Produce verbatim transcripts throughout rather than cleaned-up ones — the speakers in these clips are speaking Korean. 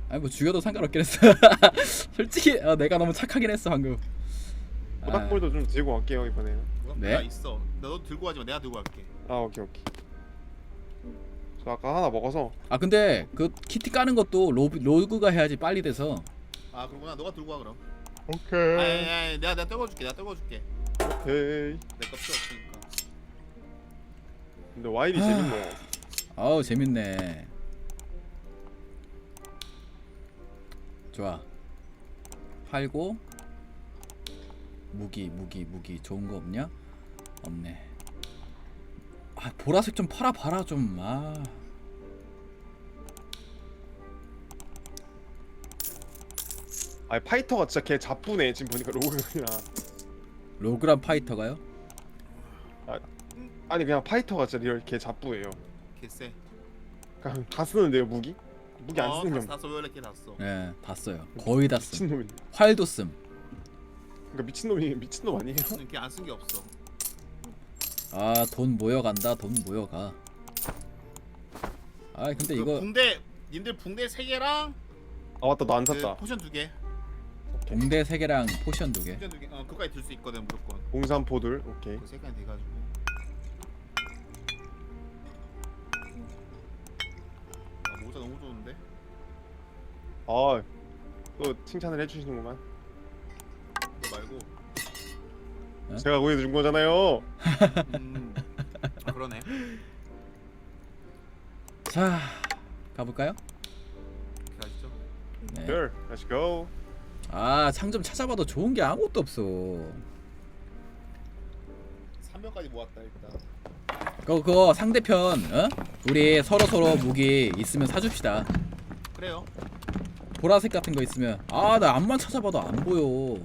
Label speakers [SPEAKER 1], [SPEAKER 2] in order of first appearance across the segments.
[SPEAKER 1] 아니 뭐 죽여도 상관없긴 했어. 솔직히 어, 내가 너무 착하긴 했어 방금.
[SPEAKER 2] 모닥불도 좀 들고 갈게요 이번에는.
[SPEAKER 1] 네?
[SPEAKER 3] 네? 있어. 너 들고 가지 마. 내가 들고 갈게.
[SPEAKER 2] 아 오케이 오케이. 저 아까 하나 먹어서.
[SPEAKER 1] 아 근데 그 키트 까는 것도 로, 로그가 해야지 빨리 돼서.
[SPEAKER 3] 아 그러구나. 너가 들고 와 그럼.
[SPEAKER 2] 오케이.
[SPEAKER 3] 아니, 아니, 아니 내가 내가 떨궈줄게. 내가 떨궈줄게.
[SPEAKER 2] 오케이.
[SPEAKER 3] 내거 필요 없으니까.
[SPEAKER 2] 근데 와인이
[SPEAKER 1] 아.
[SPEAKER 2] 재밌네.
[SPEAKER 1] 아우 재밌네. 좋아. 팔고 무기 무기 무기 좋은 거 없냐? 없네. 아 보라색 좀 팔아 봐라 좀. 아.
[SPEAKER 2] 아니 파이터가 진짜 걔 잡부네 지금 보니까 로그가.
[SPEAKER 1] 로그란 파이터가요?
[SPEAKER 2] 아니 그냥 파이터가 진짜 리얼 걔 잡부예요.
[SPEAKER 3] 개쎄.
[SPEAKER 2] 그냥 다 쓰는데요 무기? 무기 안 쓰는 게
[SPEAKER 3] 다 써. 원래 걔다 써.
[SPEAKER 1] 네, 다 써요. 거의 다 씀.
[SPEAKER 2] 미친놈이네.
[SPEAKER 1] 활도 씀.
[SPEAKER 2] 그러니까 미친놈이 미친놈 아니에요?
[SPEAKER 3] 걔안 쓴 게 없어.
[SPEAKER 1] 아, 돈 모여간다. 돈 모여가. 아, 근데
[SPEAKER 3] 그
[SPEAKER 1] 이거
[SPEAKER 3] 붕대 님들 붕대 세 개랑
[SPEAKER 2] 아 맞다 나 안
[SPEAKER 3] 그
[SPEAKER 2] 샀다.
[SPEAKER 3] 포션 두 개.
[SPEAKER 1] 동대 세 개랑 포션 두 개.
[SPEAKER 3] 포션 두 개. 어 그거까지 들 수 있거든 무조건.
[SPEAKER 2] 공산포들 오케이.
[SPEAKER 3] 그 세 개는 돼가지고. 아 모자 너무 좋은데.
[SPEAKER 2] 아또 칭찬을 해주시는구만.
[SPEAKER 3] 그거 말고.
[SPEAKER 1] 어?
[SPEAKER 2] 제가 구해준 거잖아요.
[SPEAKER 3] 음. 아 그러네.
[SPEAKER 1] 자, 가볼까요?
[SPEAKER 3] 이렇게 가시죠.
[SPEAKER 1] 네.
[SPEAKER 2] Sure, let's go.
[SPEAKER 1] 아, 상점 찾아봐도 좋은 게 아무것도 없어.
[SPEAKER 3] 삼 명까지 모았다 일단.
[SPEAKER 1] 그거, 그거 상대편, 어? 우리 서로 서로 무기 있으면 사줍시다.
[SPEAKER 3] 그래요.
[SPEAKER 1] 보라색 같은 거 있으면. 아, 나 앞만 찾아봐도 안 보여.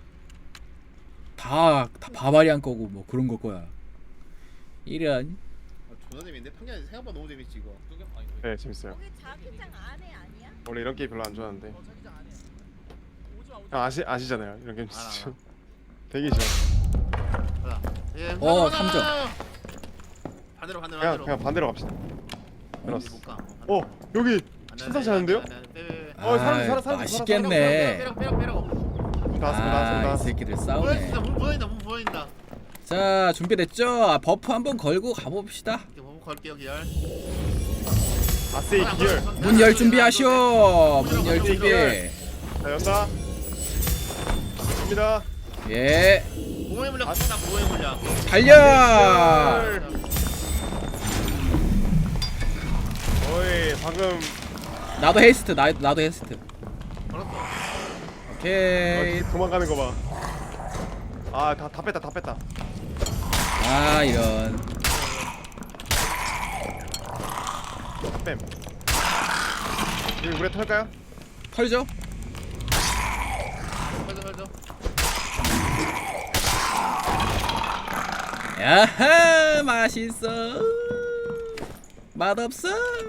[SPEAKER 1] 다, 다 바바리안 거고 뭐 그런 거 거야. 이런.
[SPEAKER 3] 아, 존나 재밌는데 평균 생각보다 너무 재밌지 이거.
[SPEAKER 2] 네 재밌어요.
[SPEAKER 4] 거기 자기장 안에 아니야?
[SPEAKER 2] 원래 이런 게임 별로 안 좋아하는데.
[SPEAKER 3] 자기장 안 해. 오지 마. 오지
[SPEAKER 2] 아, 아시 아시잖아요 이런 게임
[SPEAKER 3] 알아,
[SPEAKER 2] 진짜.
[SPEAKER 3] 알아.
[SPEAKER 2] 되게 싫어.
[SPEAKER 3] 가자. 예,
[SPEAKER 1] 어,
[SPEAKER 3] 가자,
[SPEAKER 1] 삼 점.
[SPEAKER 3] 가자. 반대로 반대로
[SPEAKER 2] 그냥
[SPEAKER 3] 반대로.
[SPEAKER 2] 그냥 반대로 갑시다. 들었어.
[SPEAKER 3] 못 가.
[SPEAKER 2] 어 여기 신사시 하는데요?
[SPEAKER 1] 아,
[SPEAKER 2] 어, 사람, 사람, 사람,
[SPEAKER 1] 맛있겠네.
[SPEAKER 3] 빼러 빼러 빼러.
[SPEAKER 2] 문 닫았어 문 닫았어 문
[SPEAKER 1] 아, 이
[SPEAKER 2] 닫았어.
[SPEAKER 1] 새끼들
[SPEAKER 3] 보여
[SPEAKER 1] 싸우네.
[SPEAKER 3] 진짜 문 보인다 문 보인다.
[SPEAKER 1] 자, 준비됐죠? 아, 버프 한번 걸고 가봅시다.
[SPEAKER 3] 이렇게 보고 걸게요 기열.
[SPEAKER 2] 아세이 기열.
[SPEAKER 1] 문 열 준비하시오. 문 열 준비.
[SPEAKER 2] 자 연다. 갑니다.
[SPEAKER 1] 예,
[SPEAKER 3] 보호의 물약 쓴다 보호의 물약.
[SPEAKER 1] 달려.
[SPEAKER 2] 어이 방금
[SPEAKER 1] 나도 헤이스트. 나 나도 헤이스트.
[SPEAKER 3] 걸었어.
[SPEAKER 1] 오케이.
[SPEAKER 2] 어, 도망가는 거 봐. 아다 다 뺐다 다 뺐다.
[SPEAKER 1] 아, 이런.
[SPEAKER 2] 뺨. 여기 물에 털까요?
[SPEAKER 1] 털죠?
[SPEAKER 3] 맞아 맞아.
[SPEAKER 1] 야하, 맛있어. 맛없어.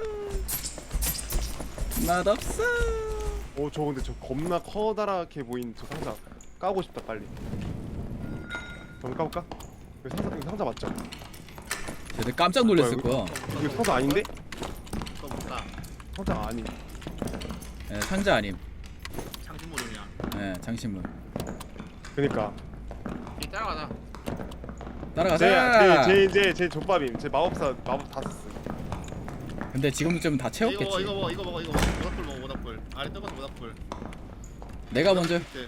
[SPEAKER 1] 맛없어.
[SPEAKER 2] 오 저 근데 저 겁나 커다랗게 보이는 저 상자 까고 싶다 빨리. 한번 까볼까? 이거 상자 이거 상자 맞죠?
[SPEAKER 1] 쟤들 깜짝 놀랐을 거야.
[SPEAKER 2] 이거 상자 아닌데?
[SPEAKER 3] 또 못가.
[SPEAKER 2] 상자 아니.
[SPEAKER 1] 예, 상자 아님.
[SPEAKER 3] 장신모르냐.
[SPEAKER 1] 예, 장신문.
[SPEAKER 2] 그니까.
[SPEAKER 3] 이 따라가자.
[SPEAKER 1] 따라가자.
[SPEAKER 2] 제, 제, 제, 제 족밥임. 제 마법사 마법 다 썼어.
[SPEAKER 1] 근데 지금쯤 다
[SPEAKER 3] 이거 먹어
[SPEAKER 1] 채웠겠지.
[SPEAKER 3] 이거 먹어 이거 먹어 이거 먹어. 모닥불 먹어 모닥불. 아래 떠가서 모닥불.
[SPEAKER 1] 내가 먼저.
[SPEAKER 3] 네.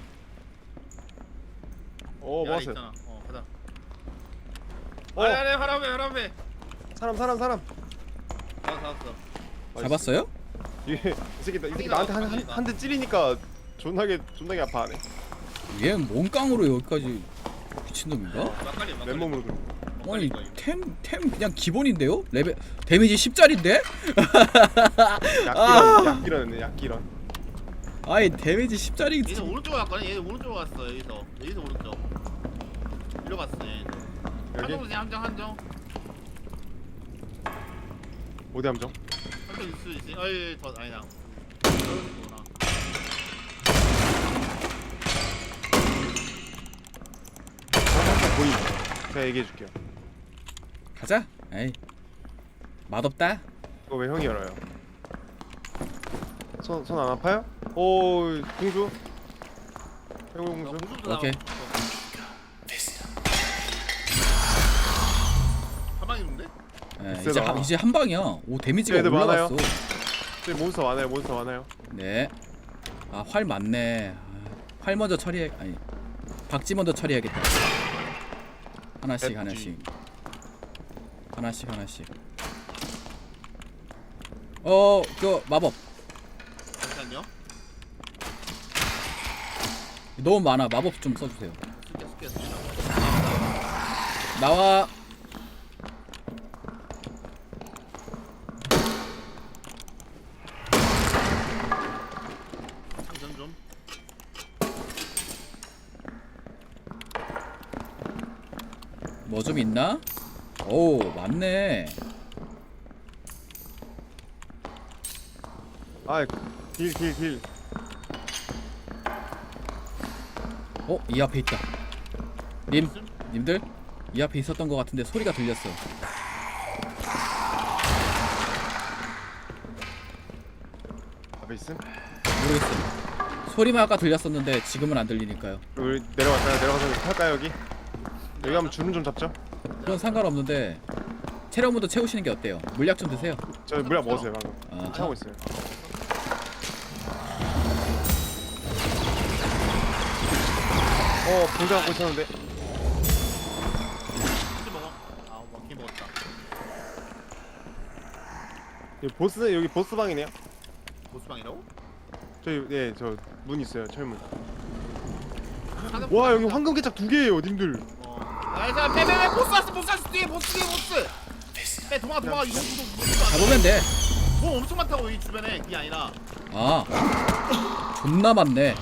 [SPEAKER 2] 어
[SPEAKER 3] 아래
[SPEAKER 2] 먹었어요.
[SPEAKER 3] 있잖아. 어 가자.
[SPEAKER 2] 어
[SPEAKER 3] 아래 아래 하람에 하람에.
[SPEAKER 2] 사람 사람 사람.
[SPEAKER 3] 다 잡았어.
[SPEAKER 1] 잡았어요?
[SPEAKER 2] 이게 이 새끼 이 새끼 나한테 한 한 대 찌르니까 존나게 존나게 아파하네.
[SPEAKER 1] 얘는 몸깡으로 여기까지 미친놈인가?
[SPEAKER 3] 막걸리 막걸리.
[SPEAKER 2] 맨몸으로 그.
[SPEAKER 1] 아니 템, 템 그냥 기본인데요? 레벨 데미지 십짜린데?
[SPEAKER 2] 약기런 약기런네 약기런.
[SPEAKER 1] 아니 데미지 십짜리.
[SPEAKER 3] 얘는 오른쪽으로 갔거든. 얘는 오른쪽으로 갔어. 여기서 여기서 오른쪽. 이리로 갔어. 얘는.
[SPEAKER 2] 여기
[SPEAKER 3] 한정 한정 한정.
[SPEAKER 2] 어디 함정?
[SPEAKER 3] 한정 있을 수 있지. 어이 더 아니다. 그렇구나.
[SPEAKER 2] 항상 보이. 제가 얘기해 줄게요.
[SPEAKER 1] 가자. 에이 맛없다.
[SPEAKER 2] 이거 왜 형이 열어요? 손 손 안 아파요? 오 공주. 해골
[SPEAKER 3] 어,
[SPEAKER 2] 공주.
[SPEAKER 3] 공주도
[SPEAKER 1] 오케이.
[SPEAKER 3] 가만히있는데?
[SPEAKER 1] 예,
[SPEAKER 2] 세다.
[SPEAKER 1] 이제 한, 이제 한 방이야. 오 데미지가
[SPEAKER 2] 애들 많아요.
[SPEAKER 1] 올라갔어.
[SPEAKER 2] 저기 몬스터 많아요. 몬스터 많아요.
[SPEAKER 1] 네. 아 활 많네. 아, 활 먼저 처리해. 아니 박쥐 먼저 처리해야겠다. 하나씩
[SPEAKER 2] 백쥐.
[SPEAKER 1] 하나씩. 하나씩 하나씩. 어, 그 마법
[SPEAKER 3] 잠시만요.
[SPEAKER 1] 너무 많아. 마법 좀 써주세요.
[SPEAKER 3] 쓸게 쓸게 쓸게.
[SPEAKER 1] 나와.
[SPEAKER 3] 상전 좀.
[SPEAKER 1] 뭐 좀 있나? 오, 많네.
[SPEAKER 2] 아길 길 길.
[SPEAKER 1] 어, 이 앞에 있다. 님, 님들 이 앞에 있었던 것 같은데 소리가 들렸어.
[SPEAKER 2] 앞에 있음.
[SPEAKER 1] 모르겠어. 소리만 아까 들렸었는데 지금은 안 들리니까요.
[SPEAKER 2] 우리 내려갈까요? 내려가서 탈까요 여기? 여기 한번 주름 좀 잡죠.
[SPEAKER 1] 그건 상관없는데 체력부터 채우시는 게 어때요? 물약 좀 드세요.
[SPEAKER 2] 저 물약 먹었어요 방금.
[SPEAKER 1] 아,
[SPEAKER 2] 차고 있어요. 어 공자 갖고 있었는데.
[SPEAKER 3] 혹시 먹어? 아 먹긴 먹었다.
[SPEAKER 2] 여기 보스 여기 보스 방이네요.
[SPEAKER 3] 보스방이라고?
[SPEAKER 2] 저기 네저 문 있어요 철문.
[SPEAKER 3] 사는
[SPEAKER 2] 와 여기
[SPEAKER 3] 보스방이다.
[SPEAKER 2] 황금 개짝 두 개예요 님들.
[SPEAKER 3] 어. 아, 자, 빼, 빼, 빼, 보스 왔어, 보스 왔어, 뒤에 보스, 뒤에 보스. 빼, 도망가, 도망가, 이거 이거 이거.
[SPEAKER 1] 잡으면 돼.
[SPEAKER 3] 뭐 엄청 많다고 이 주변에 그게 아니라.
[SPEAKER 1] 아, 존나 많네.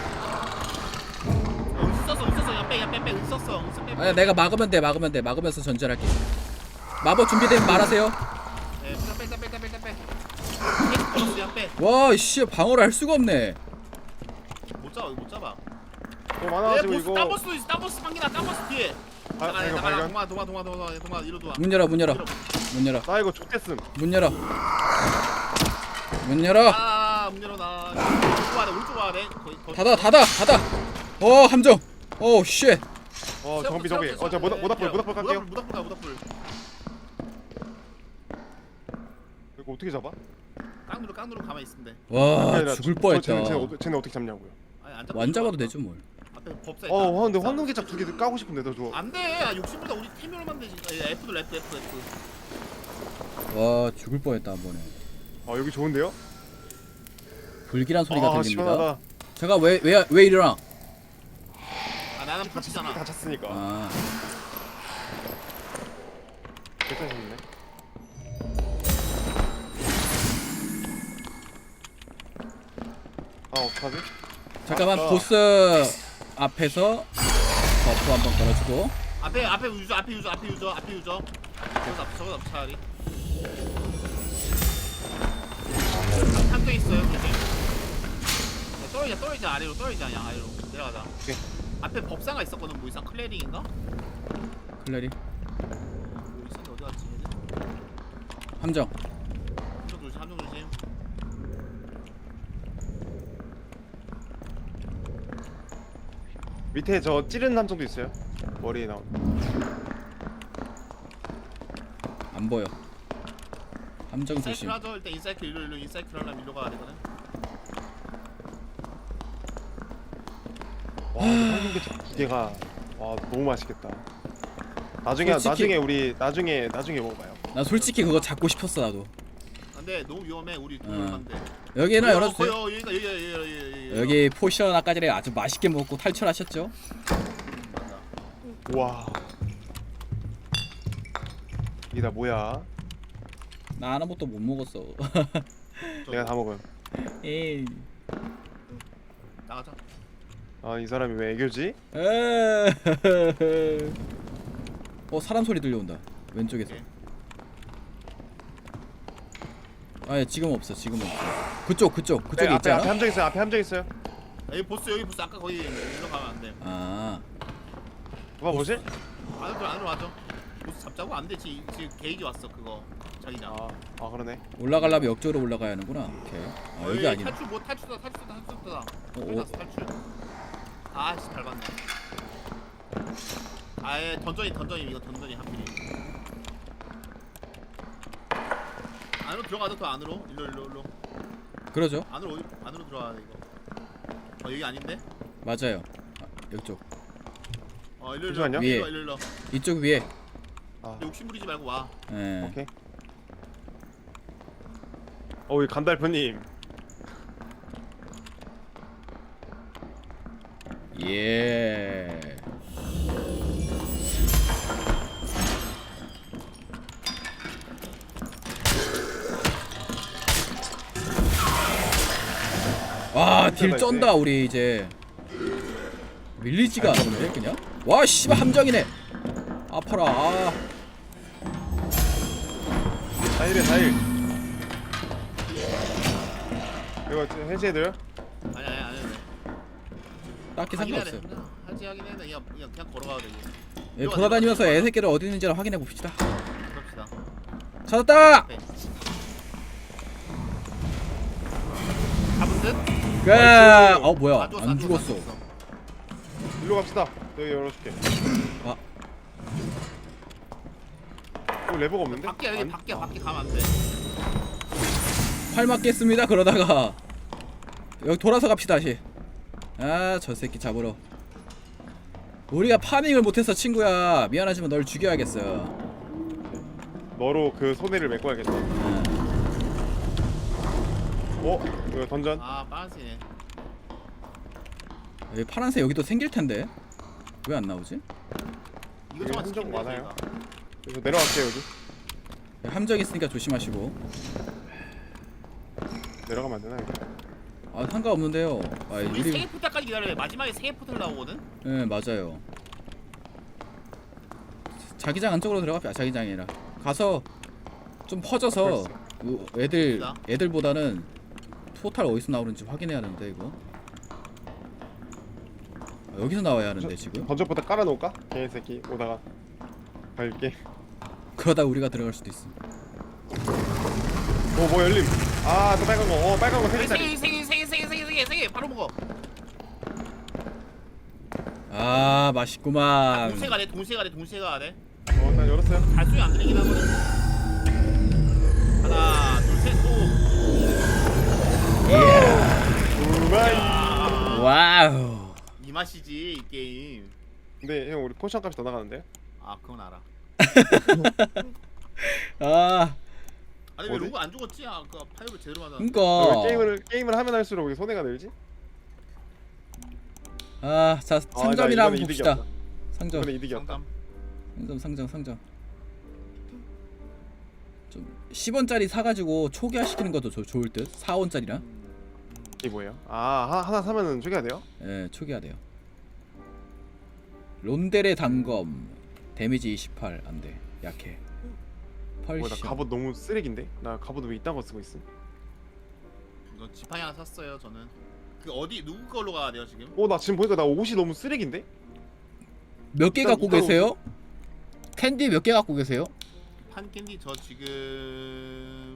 [SPEAKER 3] 어, 있었어, 있었어, 그냥 빼, 그냥 빼, 빼, 있었어, 있었어, 빼. 빼.
[SPEAKER 1] 아, 내가 막으면 돼, 막으면 돼. 막으면서 전전할게. 마법 준비되면 말하세요.
[SPEAKER 3] 네, 빼, 빼, 빼, 빼, 빼, 빼, 빼. 계속 걸었어, 그냥 빼.
[SPEAKER 1] 와, 씨, 방어를 할 수가 없네.
[SPEAKER 3] 못 잡아, 이거 못 잡아.
[SPEAKER 2] 어
[SPEAKER 3] 네,
[SPEAKER 2] 많아가지고
[SPEAKER 3] 보스,
[SPEAKER 2] 이거.
[SPEAKER 3] 딴 보스도 있어, 딴 보스 방기나, 딴 보스 뒤에.
[SPEAKER 2] 아,
[SPEAKER 3] 나가,
[SPEAKER 2] 발견,
[SPEAKER 3] 나가,
[SPEAKER 2] 발견.
[SPEAKER 3] 동아, 동아, 동아, 동아, 동아, 동아, 이리로 동아.
[SPEAKER 1] 문 열어, 문 열어, 문 열어,
[SPEAKER 2] 나 이거 좆됐음.
[SPEAKER 1] 문 열어, 문 열어.
[SPEAKER 3] 아, 문 열어 나. 오른쪽 아래, 오른쪽 아래. 거의 거의.
[SPEAKER 1] 닫아, 닫아, 닫아. 어, 함정. 오, 쉣.
[SPEAKER 2] 어 정비 정비. 어저 모닥 모닥불 모닥불 깔게요.
[SPEAKER 3] 모닥불, 모닥불.
[SPEAKER 2] 이거 어떻게 잡아?
[SPEAKER 3] 깡누르, 깡누르 가만히 있으면 돼.
[SPEAKER 1] 와,
[SPEAKER 2] 아니, 나
[SPEAKER 1] 죽을
[SPEAKER 2] 저-
[SPEAKER 1] 뻔했다.
[SPEAKER 2] 쟤네, 쟤네, 어떻게- 쟤네 어떻게 잡냐고요?
[SPEAKER 3] 아니 안 잡고.
[SPEAKER 1] 완 잡아도 되죠, 뭘.
[SPEAKER 3] 앞에 법사.
[SPEAKER 2] 어 근데 황금 개짝 두 개 까고 싶은데 더 좋아.
[SPEAKER 3] 안돼. 아, 욕심보다 우리 팀으로 만들지. F도 F, F, F.
[SPEAKER 1] 와, 죽을 뻔했다 한 번에.
[SPEAKER 2] 아 여기 좋은데요?
[SPEAKER 1] 불길한 소리가
[SPEAKER 2] 아
[SPEAKER 1] 들립니다.
[SPEAKER 2] 시원하다.
[SPEAKER 1] 제가 왜 왜 왜 이러나?
[SPEAKER 3] 아 나는
[SPEAKER 2] 다
[SPEAKER 3] 파치잖아.
[SPEAKER 2] 찼으니까.
[SPEAKER 1] 아,
[SPEAKER 2] 괜찮으셨네. 아 어떡하지?
[SPEAKER 1] 잠깐만
[SPEAKER 2] 아,
[SPEAKER 1] 보스 앞에서 버프 한번 걸어주고.
[SPEAKER 3] 앞에 앞에 유저, 앞에 유저, 앞에 유저, 앞에 유저. 저거 앞에 저거 앞에 차라리. 한대 있어요. 조심. 야, 떨어지자, 떨어지자 아래로, 떨어지자 그냥 아래로 내려가자.
[SPEAKER 2] 오케이.
[SPEAKER 3] 앞에 법사가 있었거든. 뭐 이상 클레링인가?
[SPEAKER 1] 클레리
[SPEAKER 3] 뭐 있었는데 어디 갔지? 얘들?
[SPEAKER 1] 함정.
[SPEAKER 3] 함정 조심, 함정 조심.
[SPEAKER 2] 밑에 저 찌르는 함정도 있어요. 머리에 나온.
[SPEAKER 1] 안 보여. 함정
[SPEAKER 3] 인사이클
[SPEAKER 1] 조심.
[SPEAKER 3] 하죠. 일단 인사이클 일로 일로 인사이클 하려면 일로 가야 되거든.
[SPEAKER 2] 와 근데 황금 개짝 두 개가 와 너무 맛있겠다. 나중에
[SPEAKER 1] 솔직히-
[SPEAKER 2] 나중에 우리 나중에 나중에 먹어봐요.
[SPEAKER 1] 나 솔직히 그거 잡고 싶었어 나도.
[SPEAKER 3] 안돼, 너무 위험해. 우리
[SPEAKER 1] 어.
[SPEAKER 3] 위험한데.
[SPEAKER 1] 여기나 열어주세요.
[SPEAKER 3] 어, 여기가 여기가 여기가 여기가
[SPEAKER 1] 여기 포션 아까 전에 아주 맛있게 먹고 탈출하셨죠?
[SPEAKER 3] 맞아.
[SPEAKER 2] 와. 이게 다 뭐야?
[SPEAKER 1] 나 아무것도 못 먹었어.
[SPEAKER 2] 내가 다 먹음.
[SPEAKER 1] 에이.
[SPEAKER 3] 나가자.
[SPEAKER 2] 아 이 사람이 왜 애교지?
[SPEAKER 1] 에이. 어, 사람 소리 들려온다. 왼쪽에서.
[SPEAKER 3] 오케이.
[SPEAKER 1] 아니 지금 없어. 지금 없어. 그쪽 그쪽 그쪽에
[SPEAKER 2] 네, 앞에 앞에
[SPEAKER 1] 있잖아.
[SPEAKER 2] 함정 있어요. 앞에 함정 있어요.
[SPEAKER 3] 여기 보스, 여기 보스. 아까 거기 일로 가면 안 돼.
[SPEAKER 1] 아,
[SPEAKER 2] 누가 뭐지?
[SPEAKER 3] 안으로 안으로 와줘. 보스 잡자고 안 되지. 지금 게이지 왔어 그거. 자기장.
[SPEAKER 2] 아, 아 그러네.
[SPEAKER 1] 올라가려면 역적으로 올라가야 하는구나. 오케이. 아 여기
[SPEAKER 3] 어이,
[SPEAKER 1] 아니네.
[SPEAKER 3] 탈출 뭐 탈출다 탈출다 탈출다.
[SPEAKER 1] 어,
[SPEAKER 3] 탈출 탈출. 아씨 밟았네. 아예 던전이 던전이 이거 던전이 하필이. 안으로 들어가도 더 안으로. 일로 일로 일로.
[SPEAKER 1] 그러죠.
[SPEAKER 3] 안으로 어디- 안으로 들어와야 돼 이거. 어 여기 아닌데?
[SPEAKER 1] 맞아요. 아, 이쪽.
[SPEAKER 3] 어 일로 일로
[SPEAKER 2] 잠시만요.
[SPEAKER 3] 일로
[SPEAKER 1] 위에.
[SPEAKER 3] 일로 일로.
[SPEAKER 1] 이쪽 위에.
[SPEAKER 2] 아,
[SPEAKER 3] 욕심 부리지 말고 와.
[SPEAKER 1] 예.
[SPEAKER 2] 오케이. 어이 간달프님.
[SPEAKER 1] 예. 와, 딜 쩐다 우리 이제. 밀리지가 않는데 그냥? 와, 씨발 함정이네. 아파라. 아.
[SPEAKER 2] 다일에 다일. 이거 해제해드려?
[SPEAKER 3] 아니 아니 아니. 아니.
[SPEAKER 1] 딱히
[SPEAKER 3] 하긴 해야
[SPEAKER 1] 상관없어요.
[SPEAKER 3] 돼. 하지 하긴 해야 돼. 그냥 그냥 그냥 걸어가야 돼. 이거.
[SPEAKER 1] 예, 돌아다니면서 애새끼를 어디 있는지를 확인해 봅시다.
[SPEAKER 3] 그럽시다.
[SPEAKER 1] 찾았다.
[SPEAKER 3] 네. 잡은 듯?
[SPEAKER 1] 그, 어 뭐야?
[SPEAKER 3] 안 죽었어,
[SPEAKER 1] 안
[SPEAKER 3] 안
[SPEAKER 1] 죽었어.
[SPEAKER 3] 죽었어.
[SPEAKER 2] 일로 갑시다. 여기 열어줄게.
[SPEAKER 1] 아.
[SPEAKER 2] 어, 레버가 없는데?
[SPEAKER 3] 밖에 여기
[SPEAKER 2] 안-
[SPEAKER 3] 밖에 밖에 가면 안 돼.
[SPEAKER 1] 활 맞겠습니다. 그러다가 여기 돌아서 갑시다 다시. 아, 저 새끼 잡으러. 우리가 파밍을 못해서 친구야. 미안하지만 널 죽여야겠어.
[SPEAKER 2] 너로 그 손해를 메꿔야겠다.
[SPEAKER 1] 아,
[SPEAKER 2] 어? 이거 던전?
[SPEAKER 3] 아 빨간색이네.
[SPEAKER 1] 여기 파란색 여기도 생길 텐데 왜 안 나오지?
[SPEAKER 3] 이것저것
[SPEAKER 2] 여기 흔적
[SPEAKER 3] 지키면 돼,
[SPEAKER 2] 많아요.
[SPEAKER 3] 저희가.
[SPEAKER 2] 여기서 내려갈게 여기.
[SPEAKER 1] 함정 있으니까 조심하시고.
[SPEAKER 2] 내려가면 안 되나 이거?
[SPEAKER 1] 아, 상관없는데요. 아,
[SPEAKER 3] 우리
[SPEAKER 1] 우리
[SPEAKER 3] 세개 포탈까지 기다려야 돼. 마지막에 세개 포탈 나오거든.
[SPEAKER 1] 네, 맞아요. 자기장 안쪽으로 들어갑시다. 아, 자기장이라 가서 좀 퍼져서
[SPEAKER 2] 벌써.
[SPEAKER 1] 우- 애들
[SPEAKER 3] 갑시다.
[SPEAKER 1] 애들보다는 토탈 어디서 나오는지 확인해야 하는데 이거. 아, 여기서 나와야 하는데 지금.
[SPEAKER 2] 던전부터 깔아놓을까? 개새끼 오다가 갈게.
[SPEAKER 1] 그러다 우리가 들어갈 수도 있어.
[SPEAKER 2] 어뭐 열림. 아또 빨간 거. 어 빨간 거세 개짜리.
[SPEAKER 3] 세개세개세개세개세개세개 바로 먹어.
[SPEAKER 1] 아, 맛있구만.
[SPEAKER 3] 동시에 가래 동시에 가래 동시에 가래.
[SPEAKER 2] 어난 열었어요.
[SPEAKER 3] 발소리 안 들리긴 하거든. 하나 둘셋 오.
[SPEAKER 2] 우마이.
[SPEAKER 3] 아,
[SPEAKER 1] 와우.
[SPEAKER 3] 이 맛이지 이 게임.
[SPEAKER 2] 근데 형 우리 포션 값이 더 나가는데?
[SPEAKER 3] 아 그건 알아.
[SPEAKER 1] 아,
[SPEAKER 3] 아니 왜
[SPEAKER 2] 어디?
[SPEAKER 3] 로그 안 죽었지? 아그 파이브 제대로 맞아.
[SPEAKER 1] 그니까.
[SPEAKER 2] 왜 게임을 게임을 하면 할수록 왜 손해가 늘지?
[SPEAKER 1] 아, 자,
[SPEAKER 2] 아,
[SPEAKER 1] 상점이나
[SPEAKER 2] 나
[SPEAKER 1] 한번
[SPEAKER 2] 이거는
[SPEAKER 1] 봅시다.
[SPEAKER 2] 이득이었다.
[SPEAKER 1] 상점.
[SPEAKER 2] 이거는 이득이었다.
[SPEAKER 3] 상담.
[SPEAKER 1] 상점, 상점, 상점. 좀 십 원짜리 사가지고 초기화 시키는 것도 조, 좋을 듯. 사 원짜리랑.
[SPEAKER 2] 이게 뭐예요? 아 하나, 하나 사면은 저기가 돼요?
[SPEAKER 1] 예, 초기화 돼요. 론델의 단검 데미지 이십팔 안돼. 약해.
[SPEAKER 2] 뭐나
[SPEAKER 1] 펄시.
[SPEAKER 2] 갑옷 너무 쓰레기인데? 나 갑옷 왜 이딴 거 쓰고 있음?
[SPEAKER 3] 이거 지팡이 하나 샀어요 저는. 그 어디 누구 걸로 가야 돼요 지금?
[SPEAKER 2] 어나 지금 보니까 나 옷이 너무 쓰레기인데?
[SPEAKER 1] 몇 개
[SPEAKER 2] 일단
[SPEAKER 1] 갖고
[SPEAKER 2] 이따
[SPEAKER 1] 계세요? 캔디 몇 개 갖고 계세요?
[SPEAKER 3] 판 캔디 저 지금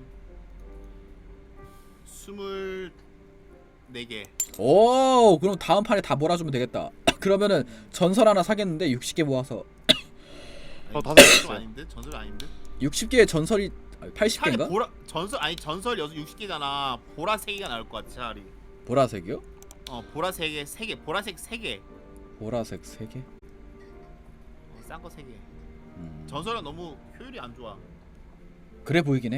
[SPEAKER 3] 스물네 개.
[SPEAKER 1] 오, 그럼 다음 판에 다 몰아주면 되겠다. 그러면은 전설 하나 사겠는데 육십 개 모아서
[SPEAKER 2] 어, 다섯 개
[SPEAKER 3] 좀
[SPEAKER 2] 있어요.
[SPEAKER 3] 아닌데 전설 아닌데?
[SPEAKER 1] 육십 개의 전설이 팔십
[SPEAKER 3] 차라리
[SPEAKER 1] 개인가?
[SPEAKER 3] 보라 전설 아니 전설 여섯 육십 개잖아. 보라 세 개가 나올 것 같아 차라리.
[SPEAKER 1] 보라색이요?
[SPEAKER 3] 어 보라 세 개, 세 개, 보라색 세 개,
[SPEAKER 1] 보라색 세 개?
[SPEAKER 3] 어, 싼 거 세 개.
[SPEAKER 1] 음.
[SPEAKER 3] 전설은 너무 효율이 안 좋아.
[SPEAKER 1] 그래 보이긴 해.